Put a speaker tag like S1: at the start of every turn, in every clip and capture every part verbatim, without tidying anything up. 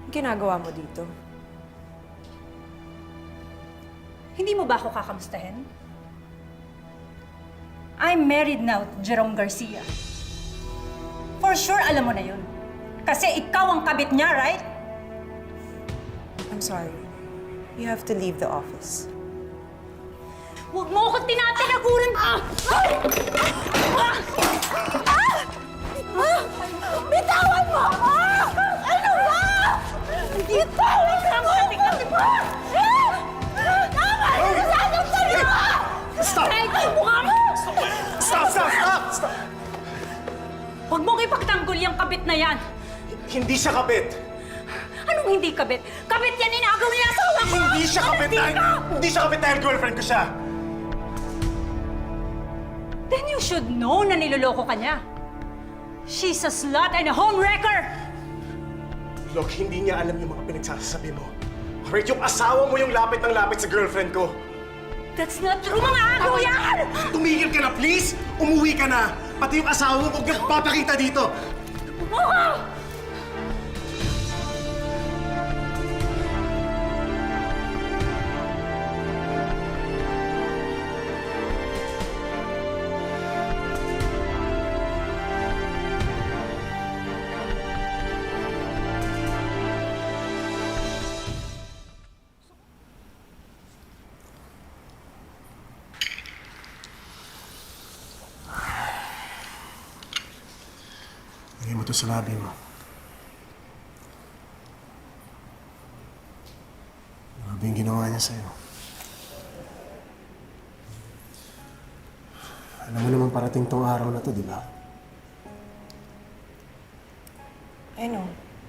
S1: ginagawa mo dito?
S2: Hindi mo ba ako kakamustahin? I'm married now to Jerome Garcia. For sure, alam mo na yun. Kasi ikaw ang kabit niya, right?
S1: I'm sorry. You have to leave the office.
S2: Huwag mo akong tinatinaguran! Ah! Ah! Ah! Ah! Ah! Bitawan mo! Ah! Ano ba? Bitawan ka mo! Tingnan mo! Ah! Tama! Nasasaktan niyo!
S3: Stop!
S2: Kahit yung mukha mo!
S3: Stop! Stop! Stop! Stop!
S2: Huwag mong ipagtanggol yung kabit na yan!
S3: Hindi siya kabit!
S2: Anong hindi kabit? Kabit yan inagaw niya asawa ko!
S3: Hindi siya kabit
S2: Hindi
S3: dahil...
S2: ka!
S3: Hindi siya kabit dahil girlfriend ko siya!
S2: Then you should know na niloloko ka niya. She's a slut and a homewrecker!
S3: Look, hindi niya alam yung mga pinagsasabi mo. Alright, yung asawa mo yung lapit ng lapit sa girlfriend ko.
S2: That's not true, mga agaw yan!
S3: Tumigil ka na, please! Umuwi ka na! Pati yung asawa mo, huwag niyang papakita dito!
S2: Oh!
S3: Lagay mo to sa labi mo. Grabe yung ginawa niya sa'yo. Alam mo naman parating tong araw na to, di ba?
S1: I know.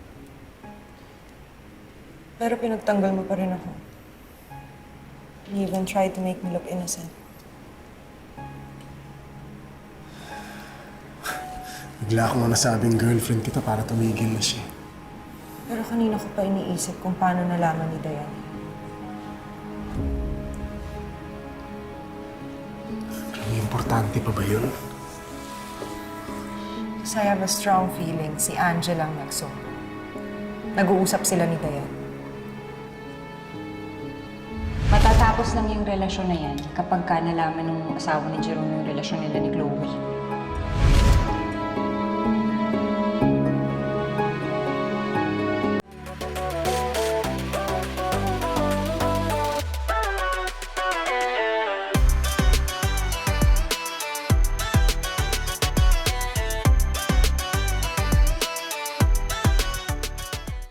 S1: Pero pinagtanggol mo pa rin ako. You even tried to make me look innocent.
S3: Bigla akong nasabing girlfriend kita para tumigil na siya.
S1: Pero kanina ko pa iniisip kung paano nalaman ni Diane.
S3: Ang importante pa ba yun?
S1: Kasi I have a strong feeling si Angela ang nagsumbong. Nag-uusap sila ni Diane.
S4: Matatapos lang yung relasyon na yan kapag ka nalaman ng asawa ni Jerome yung relasyon nila ni Chloe.